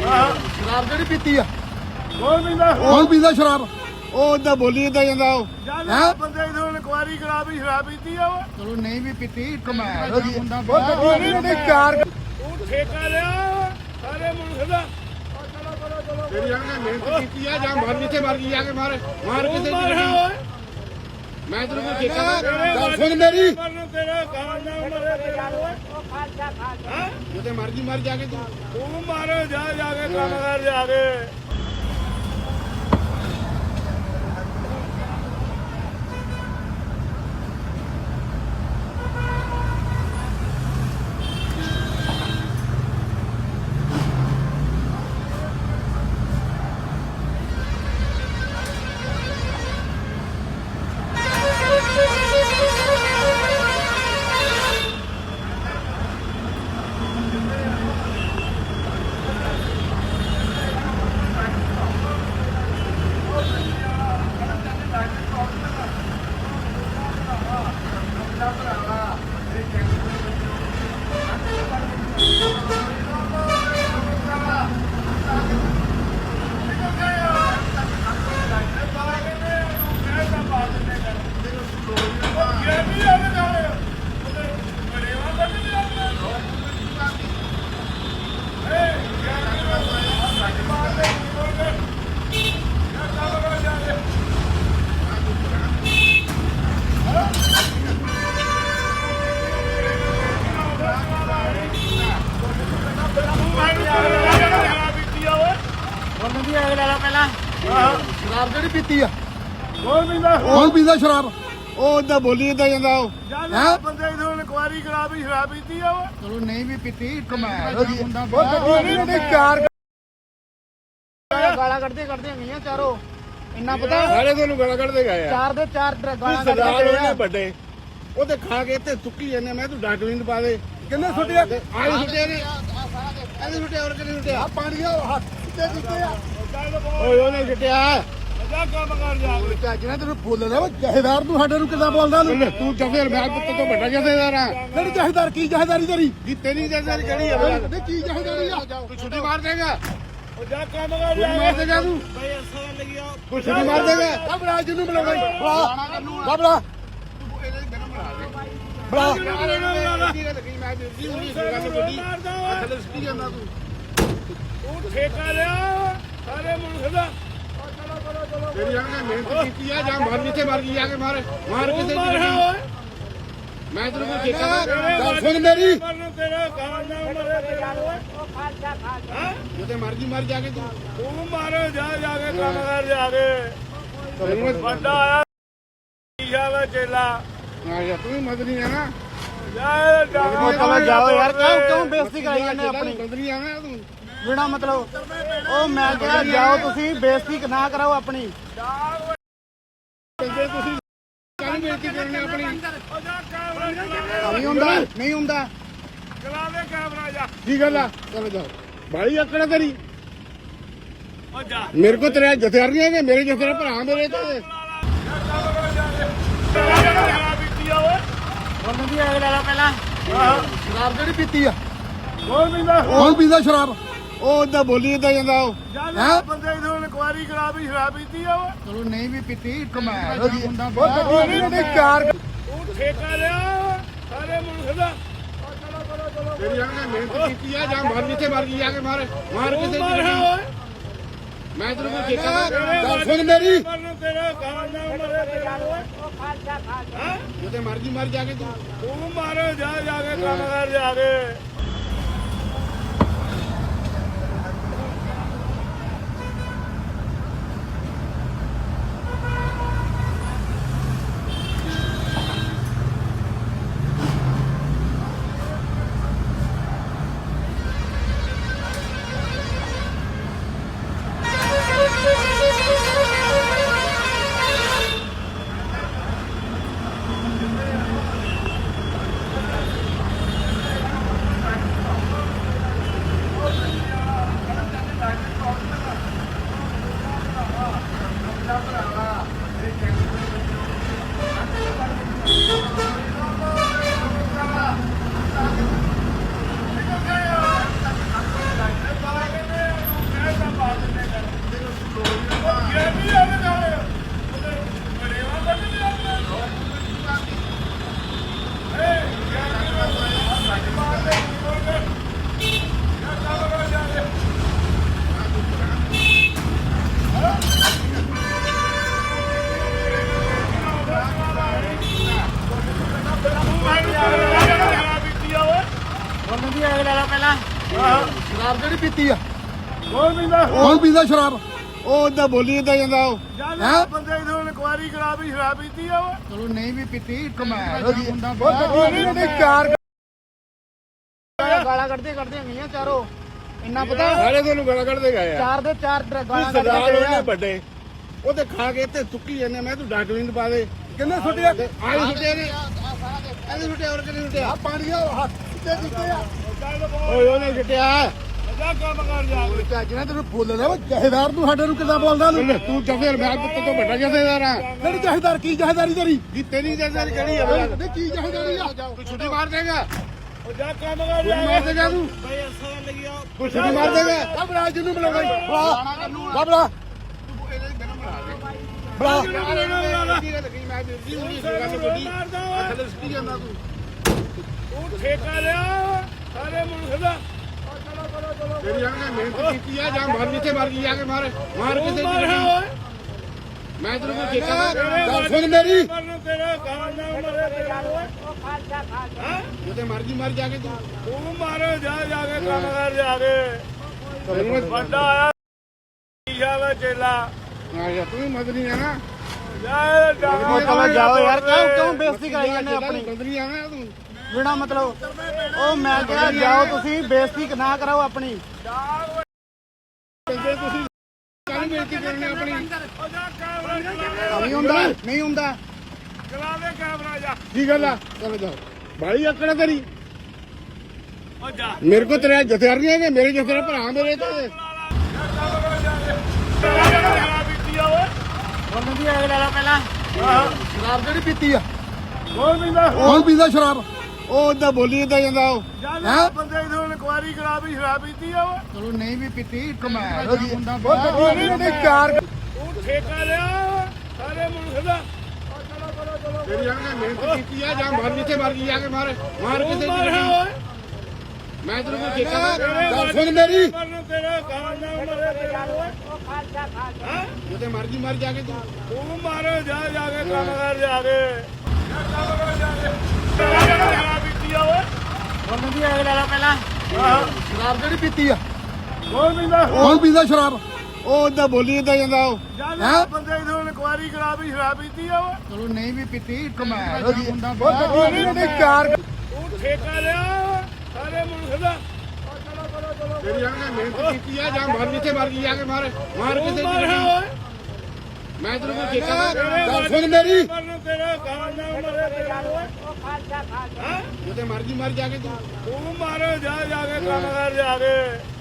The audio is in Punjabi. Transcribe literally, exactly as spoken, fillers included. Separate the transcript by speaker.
Speaker 1: ਸ਼ਰਾਬ ਜਿਹੜੀ ਪੀਤੀ ਆ
Speaker 2: ਕੌਣ ਪੀਂਦਾ
Speaker 1: ਕੌਣ ਪੀਂਦਾ ਸ਼ਰਾਬ?
Speaker 2: ਉਹ ਓਦਾਂ ਬੋਲੀ ਏਦਾਂ ਜਾਂਦਾ ਉਹ
Speaker 1: ਹੈਂ?
Speaker 2: ਬੰਦੇ ਇਥੋਂ ਇਨਕੁਆਰੀ ਕਰਾ ਵੀ ਸ਼ਰਾਬ ਪੀਤੀ ਆ ਉਹ
Speaker 1: ਚਲੋ ਨਹੀਂ ਵੀ ਪੀਤੀ ਕਮਾਲ ਹੋ ਗਈ ਹੁੰਦਾ
Speaker 2: ਉਹ
Speaker 1: ਨਹੀਂ ਨਹੀਂ ਚਾਰ
Speaker 2: ਉਹ ਠੇਕਾ ਲਿਆ ਸਾਰੇ ਮੁਲਕ ਦਾ ਤੇਰੀ ਆਂਗੇ ਮਿਹਨਤ ਕੀਤੀ ਆ ਜਾਂ ਮਰ ਜਿੱਥੇ ਮਰ ਗਈ ਜਾ ਕੇ ਮਾਰ ਮਾਰ ਕਿਸੇ ਦੀ ਗੱਡੀ ਮੈਂ ਤੈਨੂੰ ਕੋਈ ਠੇਕਾ
Speaker 1: ਗੱਲ ਸੁਣ ਮੇਰੀ
Speaker 2: ਤੇਰਾ ਗਾਣਾ ਮਰੇ ਤੇਰਾ ਹਾਂ ਜਿੱਥੇ ਮਰਜੀ ਮਰ ਜਾ ਕੇ ਤੂੰ ਤੂੰ ਮਾਰ ਜਾ ਜਾ ਕੇ ਕੰਮ ਕਰ ਜਾ ਕੇ
Speaker 1: ਸ਼ਰਾਬ ਜਿਹੜੀ ਪੀਤੀ ਆ
Speaker 2: ਕੌਣ ਪੀਂਦਾ
Speaker 1: ਕੌਣ ਪੀਂਦਾ ਸ਼ਰਾਬ?
Speaker 2: ਉਹ ਓਦਾਂ ਬੋਲੀ ਏਦਾਂ ਜਾਂਦਾ ਉਹ
Speaker 1: ਹੈਂ?
Speaker 2: ਬੰਦੇ ਇਥੋਂ ਇਨਕੁਆਰੀ ਕਰਾ ਵੀ ਸ਼ਰਾਬ ਪੀਤੀ ਆ ਉਹ
Speaker 1: ਚਲੋ ਨਹੀਂ ਵੀ ਪੀਤੀ ਕਮਾਲ ਹੋ ਗਈ ਹੁੰਦਾ
Speaker 2: ਨਹੀਂ ਨਹੀਂ ਚਾਰ
Speaker 1: ਗਾਲਾਂ ਕੱਢਦੇ ਕੱਢਦੇ ਗਈਆਂ ਚਾਰੋ ਇੰਨਾ ਪਤਾ
Speaker 2: ਸਾਰੇ ਤੁਹਾਨੂੰ ਗਾਲਾਂ ਕੱਢਦੇ ਗਏ ਆ
Speaker 1: ਚਾਰ ਦੇ ਚਾਰ ਗਾਲਾਂ
Speaker 2: ਸਰਦਾਰ
Speaker 1: ਕੱਢਦੇ
Speaker 2: ਉਹਨੇ
Speaker 1: ਆ
Speaker 2: ਵੱਡੇ ਉਹ ਤੇ ਖਾ ਕੇ ਇੱਥੇ ਸੁੱਕੀ ਜਾਂਦੇ ਮੈਂ ਤੂੰ ਡਾਕਟਰੀ ਨੂੰ ਪਾ ਦੇ
Speaker 1: ਕਿੰਨੇ ਸੁੱਟਿਆ
Speaker 2: ਆਹ ਸੁੱਟਿਆ ਨੇ ਇਹਨੇ ਸੁੱਟਿਆ ਹੋਰ ਕਿਹਨੇ ਸੁੱਟਿਆ
Speaker 1: ਆ ਪਾਣੀ ਆ ਹੱਥ ਤੇ ਦਿੱਤੇ ਆ
Speaker 2: ਓਏ ਉਹਨੇ ਸੁੱਟਿਆ ਜਾ ਕੰਮ ਕਰ ਜਾ
Speaker 1: ਚੱਜ ਨਾਲ ਤੈਨੂੰ ਬੋਲਦਾ ਵਾ ਜਹੇਦਾਰ ਤੂੰ ਸਾਡੇ ਨੂੰ ਕਿੱਦਾਂ ਬੋਲਦਾ ਤੂੰ
Speaker 2: ਤੂੰ ਜਫੇਰ ਮੈਂ ਪੁੱਤ ਤੋਂ ਵੱਡਾ ਜਫੇਦਾਰ ਆ
Speaker 1: ਕਿਹੜੀ ਜਹੇਦਾਰ ਕੀ ਜਹੇਦਾਰੀ ਤੇਰੀ
Speaker 2: ਕੀ ਤੇਰੀ ਜਫੇਦਾਰ ਕਿਹੜੀ ਆ
Speaker 1: ਨਹੀਂ ਕੀ ਜਹੇਦਾਰੀ ਆ
Speaker 2: ਤੂੰ ਛੁੱਟੀ ਮਾਰ ਦੇਗਾ ਉਹ ਜਾ ਕੰਮ ਕਰ ਜਾ ਮਾਰ ਦੇਗਾ ਤੂੰ ਬਈ ਅਸਾਂ ਲੱਗਿਆ ਤੂੰ ਛੁੱਟੀ ਮਾਰ ਦੇਗਾ
Speaker 1: ਘਬਰਾ ਜਿਹਨੂੰ ਬੁਲਾਉਂਦਾ ਬੁਲਾ ਬੁਲਾ
Speaker 2: ਤੂੰ ਠੇਕਾ ਲਿਆ ਸਾਰੇ ਮੁਲਕ ਦਾ ਤੇਰੀ ਆਂਗੇ ਮਿਹਨਤ ਕੀਤੀ ਆ ਜਾਂ ਮਰ ਜਿੱਥੇ ਮਰ ਗਈ ਜਾ ਕੇ ਮਾਰ ਮਾਰ ਕਿਸੇ ਦੀ ਗੱਡੀ ਮੈਂ ਤੈਨੂੰ ਕੋਈ ਠੇਕਾ
Speaker 1: ਗੱਲ ਸੁਣ ਮੇਰੀ
Speaker 2: ਤੇਰਾ ਗਾਣਾ ਮਰੇ ਤੇਰਾ ਹਾਂ ਜਿੱਥੇ ਮਰਜੀ ਮਰ ਜਾ ਕੇ ਤੂੰ ਤੂੰ ਮਾਰ ਜਾ ਜਾ ਕੇ ਕੰਮ ਕਰ ਜਾ ਕੇ ਵੱਡਾ ਆਇਆ ਈਸ਼ਾ ਵਾ ਚੇਲਾ ਆ ਜਾ ਤੂੰ ਵੀ ਮਦਨੀ ਆ ਨਾ ਯਾਰ
Speaker 1: ਜਾਓ ਯਾਰ ਕਿਉਂ ਕਿਉਂ ਬੇਇੱਜ਼ਤੀ ਕਰਾਈ ਜਾਂਦੇ ਆਪਣੀ
Speaker 2: ਮਦਨੀ ਆ ਨਾ ਤੂੰ
Speaker 1: ਬਿਨਾ ਮਤਲਬ ਉਹ ਮੈਂ ਕਿਹਾ ਜਾਓ ਤੁਸੀਂ ਬੇਇੱਜ਼ਤੀ ਨਾ ਕਰਾਓ ਆਪਣੀ
Speaker 2: ਜੇ ਤੁਸੀਂ ਕੱਲ ਬੇਇੱਜ਼ਤੀ ਕਰਨੀ ਆਪਣੀ
Speaker 1: ਨਹੀਂ ਹੁੰਦਾ ਨਹੀਂ ਹੁੰਦਾ
Speaker 2: ਚਲਾ ਦੇ ਕੈਮਰਾ ਜਾ
Speaker 1: ਕੀ ਗੱਲ ਆ
Speaker 2: ਚਲ ਜਾ ਬਾਈ ਆਕੜਾ ਤੇਰੀ ਓ ਜਾ ਮੇਰੇ ਕੋ ਤੇਰੇ ਜਥੇਦਾਰ ਨਹੀਂ ਹੈਗੇ ਮੇਰੇ ਜਥੇਦਾਰ ਭਰਾ ਮੇਰੇ ਤੇ
Speaker 1: ਉਹਨਾਂ ਦੀ ਆਗ ਲਾ ਪਹਿਲਾਂ ਸ਼ਰਾਬ ਜਿਹੜੀ ਪੀਤੀ ਆ
Speaker 2: ਕੌਣ ਪੀਂਦਾ
Speaker 1: ਕੌਣ ਪੀਂਦਾ ਸ਼ਰਾਬ?
Speaker 2: ਉਹ ਓਦਾਂ ਬੋਲੀ ਏਦਾਂ ਜਾਂਦਾ ਉਹ
Speaker 1: ਹੈਂ?
Speaker 2: ਬੰਦੇ ਇਥੋਂ ਇਨਕੁਆਰੀ ਕਰਾ ਵੀ ਸ਼ਰਾਬ ਪੀਤੀ ਆ ਉਹ
Speaker 1: ਚਲੋ ਨਹੀਂ ਵੀ ਪੀਤੀ ਕਮਾਲ ਹੋ ਗਈ ਹੁੰਦਾ
Speaker 2: ਨਹੀਂ ਨਹੀਂ ਚਾਰ ਤੂੰ ਠੇਕਾ ਲਿਆ ਸਾਰੇ ਮੁਲਕ ਦਾ ਤੇਰੀ ਆਂਗੇ ਮਿਹਨਤ ਕੀਤੀ ਆ ਜਾਂ ਮਰ ਜਿੱਥੇ ਮਰ ਗਈ ਜਾ ਕੇ ਮਾਰ ਮਾਰ ਕਿਸੇ ਦੀ ਗੱਡੀ ਮੈਂ ਤੈਨੂੰ ਕੋਈ ਠੇਕਾ
Speaker 1: ਗੱਲ ਸੁਣ ਮੇਰੀ
Speaker 2: ਤੇਰਾ ਗਾਣਾ ਮਰੇ ਤੇਰਾ ਹਾਂ ਜਿੱਥੇ ਮਰਜੀ ਮਰ ਜਾ ਕੇ ਤੂੰ ਤੂੰ ਮਾਰ ਜਾ ਜਾ ਕੇ ਕੰਮ ਕਰ ਜਾ ਕੇ
Speaker 1: ਦੀ ਐਗ ਲੈ ਲਾ ਪਹਿਲਾਂ
Speaker 3: ਸ਼ਰਾਬ ਜਿਹੜੀ ਪੀਤੀ ਆ
Speaker 2: ਹੋਰ ਪੀਂਦਾ
Speaker 3: ਕੌਣ ਪੀਂਦਾ ਸ਼ਰਾਬ ਉਹ ਏਦਾਂ ਬੋਲੀ ਏਦਾਂ ਜਾਂਦਾ ਉਹ
Speaker 2: ਜਾਂ ਬੰਦੇ ਨੂੰ ਇਨਕੁਆਰੀ ਕਰਾ ਵੀ ਸ਼ਰਾਬ ਪੀਤੀ ਆ ਉਹ
Speaker 3: ਚਲੋ ਨਹੀਂ ਵੀ ਪੀਤੀ ਕਮਾਲ ਹੋ ਗਈ
Speaker 1: ਉਹ
Speaker 3: ਗੱਡੀ ਨੇ ਚਾਰ
Speaker 1: ਗਾਲਾਂ ਕੱਢਦੇ ਕੱਢਦੇ ਗਈਆਂ ਚਾਰੋ ਇੰਨਾ ਪਤਾ
Speaker 3: ਸਾਰੇ ਤੁਹਾਨੂੰ ਗਾਲਾਂ ਕੱਢਦੇ ਗਏ ਆ
Speaker 1: ਚਾਰ ਦੇ ਚਾਰ ਡ- ਗਾਲਾਂ
Speaker 3: ਸਰਦਾਰ
Speaker 1: ਕੱਢਦੇ
Speaker 3: ਉਹਨੇ
Speaker 1: ਗਏ ਆ।
Speaker 3: ਵੱਡੇ ਉਹ ਤੇ ਖਾ ਕੇ ਤੇ ਸੁੱਕੀ ਜਾਂਦੇ ਮੈਂ ਤੂੰ ਡਾਕਟਰਿੰਗ ਪਾ ਦੇ ਕਿੰਨੇ ਸੁੱਟਿਆ ਆਹ ਸੁੱਟਿਆ ਨੇ ਇਹਨੇ ਸੁੱਟਿਆ ਹੋਰ ਕਿੰਨੇ ਸੁੱਟਿਆ ਆ ਪਾਣੀ ਆ ਹੱਥ ਤੇ ਦਿੱਤੇ ਆ ਓਏ ਉਹਨੇ ਸੁੱਟਿਆ
Speaker 2: ਜਾ ਕੰਮ ਕਰ ਜਾ ਕੇ।
Speaker 3: ਚਾਚਾ ਤੈਨੂੰ ਫੁੱਲ ਲੈ ਜਹੇਦਾਰ ਤੂੰ ਸਾਡੇ ਨੂੰ ਕਿੱਦਾਂ ਬੋਲਦਾ ਤੂੰ ਤੂੰ ਜਹੇਦਾਰ ਮੈਂ ਪੁੱਤ ਤੋਂ ਵੱਡਾ ਜਹੇਦਾਰ ਆ ਕਿਹੜੀ ਜਹੇਦਾਰ ਕੀ ਜਹੇਦਾਰੀ ਤੇਰੀ ਕੀ ਤੇਰੀ ਜਹੇਦਾਰੀ ਕਿਹੜੀ ਆ ਕੀ ਜਹੇਦਾਰੀ ਆ ਤੂੰ ਛੁੱਟੀ ਮਾਰ ਦੇਗਾ
Speaker 2: ਉਹ ਜਾ ਕੰਮ ਕਰ ਜਾ
Speaker 3: ਛੁੱਟੀ ਮਾਰ ਦੇਗਾ ਤੂੰ
Speaker 2: ਬਈ ਅਸਾਂ ਲੱਗਿਆ
Speaker 3: ਤੂੰ ਛੁੱਟੀ ਮਾਰ ਦੇਗਾ ਕਬੜਾ ਜਿਹਨੂੰ ਬੁਲਾਉਣਾ ਬੁਲਾ ਬੁਲਾ ਬੁਲਾ
Speaker 2: ਤੂੰ ਠੇਕਾ ਲਿਆ ਸਾਰੇ ਮੁਲਕ ਦਾ
Speaker 3: ਤੇਰੀ ਆਂਗੇ ਮਿਹਨਤ ਕੀਤੀ ਆ ਜਾਂ ਮਾਰ ਜਿੱਥੇ ਮਾਰ ਗਈ ਆ ਕੇ ਮਾਰ ਮਾਰ ਕਿਸੇ
Speaker 2: ਮਾਰ
Speaker 3: ਦੀ
Speaker 2: ਓਏ
Speaker 3: ਮੈਂ ਤੈਨੂੰ ਕੋਈ ਠੇਕਾ ਗੱਲ ਸੁਣ ਮੇਰੀ
Speaker 2: ਮਰਨ ਤੇਰਾ ਖਾਨ ਨਾ ਮਰੇ ਤੇਰਾ ਓਏ ਹਾਂ
Speaker 3: ਜਿੱਥੇ ਮਰਜੀ ਮਰ ਜਾ ਕੇ ਤੂੰ
Speaker 2: ਤੂੰ ਮਾਰ ਜਾ ਜਾ ਕੇ ਕੰਮ ਕਰ ਜਾ ਕੇ ਵੱਡਾ ਆਇਆ ਈਸ਼ਾ ਵਾ ਚੇਲਾ
Speaker 3: ਆ ਜਾ ਤੂੰ ਵੀ ਮਦਨੀ ਆ ਨਾ
Speaker 2: ਜਾ
Speaker 1: ਉਹ ਚਲੋ ਜਾਓ ਯਾਰ ਕਿਉਂ ਕਿਉਂ ਬੇਇੱਜ਼ਤੀ ਕਰਾਈ ਜਾਂਦੇ ਆਪਣੀ
Speaker 3: ਮਦਨੀ ਆ ਨਾ ਤੂੰ
Speaker 1: ਬਿਨਾ ਮਤਲਬ ਉਹ ਮੈਂ ਕਿਹਾ ਜਾਓ ਤੁਸੀਂ ਬੇਇੱਜ਼ਤੀ ਨਾ ਕਰਾਓ ਆਪਣੀ
Speaker 3: ਕਹਿੰਦੇ ਤੁਸੀਂ ਕੱਲ ਬੇਇੱਜ਼ਤੀ ਕਰਨੀ ਆਪਣੀ
Speaker 2: ਉਹ ਜਾ ਕੈਮਰਾ ਚਲਾ
Speaker 1: ਨਹੀਂ ਹੁੰਦਾ ਨਹੀਂ ਹੁੰਦਾ
Speaker 2: ਚਲਾ ਦੇ ਕੈਮਰਾ ਜਾ
Speaker 3: ਕੀ ਗੱਲ ਆ ਚਲ ਜਾ ਬਾਈ ਆਕੜਾ ਤੇਰੀ
Speaker 2: ਉਹ ਜਾ
Speaker 3: ਮੇਰੇ ਕੋ ਤੇਰੇ ਜਥੇਦਾਰ ਨਹੀਂ ਹੈਗੇ ਮੇਰੇ ਜਥੇਦਾਰ ਭਰਾ ਮੇਰੇ ਤੇ
Speaker 1: ਉਹਨਾਂ ਦੀ ਐਗ ਲੈ ਲਾ ਪਹਿਲਾਂ
Speaker 3: ਸ਼ਰਾਬ ਜਿਹੜੀ ਪੀਤੀ ਆ
Speaker 2: ਹੋਰ ਪੀਂਦਾ
Speaker 3: ਕੌਣ ਪੀਂਦਾ ਸ਼ਰਾਬ ਉਹ ਏਦਾਂ ਬੋਲੀ ਏਦਾਂ ਜਾਂਦਾ ਉਹ
Speaker 2: ਜਾਂ ਬੰਦੇ ਨੂੰ ਇਨਕੁਆਰੀ ਕਰਾ ਵੀ ਸ਼ਰਾਬ ਪੀਤੀ ਆ ਉਹ
Speaker 3: ਚਲੋ ਨਹੀਂ ਵੀ ਪੀਤੀ ਕਮਾਲ ਹੋ ਗਈ ਉਹ ਗੱਡੀ ਨੇ ਚਾਰ
Speaker 2: ਤੂੰ ਠੇਕਾ ਲਿਆ ਸਾਰੇ ਮੁਲਕ ਦਾ
Speaker 3: ਤੇਰੀ ਆਂਗੇ ਮਿਹਨਤ ਕੀਤੀ ਆ ਜਾਂ ਮਾਰ ਜਿੱਥੇ ਮਾਰ ਗਈ ਆ ਕੇ ਮਾਰ ਮਾਰ ਕਿਸੇ
Speaker 2: ਮਾਰ
Speaker 3: ਦੀ
Speaker 2: ਓਏ
Speaker 3: ਮੈਂ ਤੈਨੂੰ ਕੋਈ ਠੇਕਾ ਗੱਲ ਸੁਣ ਮੇਰੀ
Speaker 2: ਮਰਨ ਤੇਰਾ ਖਾਨ ਨਾ ਮਰੇ ਤੇਰਾ ਓਏ ਹਾਂ
Speaker 3: ਜਿੱਥੇ ਮਰਜੀ ਮਰ ਜਾ ਕੇ ਤੂੰ
Speaker 2: ਤੂੰ ਮਾਰ ਜਾ ਜਾ ਕੇ ਕੰਮ ਕਰ ਜਾ ਕੇ ਕੰਮ ਕਰ ਜਾ ਕੇ ਸ਼ਰਾਬ ਪੀਤੀ ਆ ਓਏ
Speaker 1: ਉਹਨਾਂ ਦੀ ਐਗ ਲੈ ਲਾ ਪਹਿਲਾਂ
Speaker 3: ਸ਼ਰਾਬ ਜਿਹੜੀ ਪੀਤੀ ਆ
Speaker 2: ਹੋਰ ਪੀਂਦਾ
Speaker 3: ਕੌਣ ਪੀਂਦਾ ਸ਼ਰਾਬ ਉਹ ਏਦਾਂ ਬੋਲੀ ਏਦਾਂ ਜਾਂਦਾ ਉਹ
Speaker 2: ਜਾਂ ਬੰਦੇ ਨੂੰ ਇਨਕੁਆਰੀ ਕਰਾ ਵੀ ਸ਼ਰਾਬ ਪੀਤੀ ਆ ਉਹ
Speaker 3: ਚਲੋ ਨਹੀਂ ਵੀ ਪੀਤੀ ਕਮਾਲ ਹੋ ਗਈ ਉਹ ਗੱਡੀ ਨੇ ਚਾਰ
Speaker 2: ਤੂੰ ਠੇਕਾ ਲਿਆ ਸਾਰੇ ਮੁਲਕ ਦਾ
Speaker 3: ਤੇਰੀ ਆਂਗੇ ਮਿਹਨਤ ਕੀਤੀ ਆ ਜਾਂ ਮਾਰ ਜਿੱਥੇ ਮਰ ਗਈ ਆ ਕੇ ਮਾਰ ਮਾਰ ਕਿਸੇ
Speaker 2: ਮਾਰ
Speaker 3: ਦੀ
Speaker 2: ਓਏ
Speaker 3: ਮੈਂ ਤੈਨੂੰ ਕੋਈ ਠੇਕਾ ਗੱਲ ਸੁਣ ਮੇਰੀ
Speaker 2: ਮਰਨ ਤੇਰਾ ਖਾਨ ਨਾ ਮਰੇ ਤੇਰਾ ਓਏ ਹਾਂ
Speaker 3: ਜਿੱਥੇ ਮਰਜੀ ਮਰ ਜਾ ਕੇ ਤੂੰ
Speaker 2: ਤੂੰ ਮਾਰ ਜਾ ਜਾ ਕੇ ਕੰਮ ਕਰ ਜਾ ਕੇ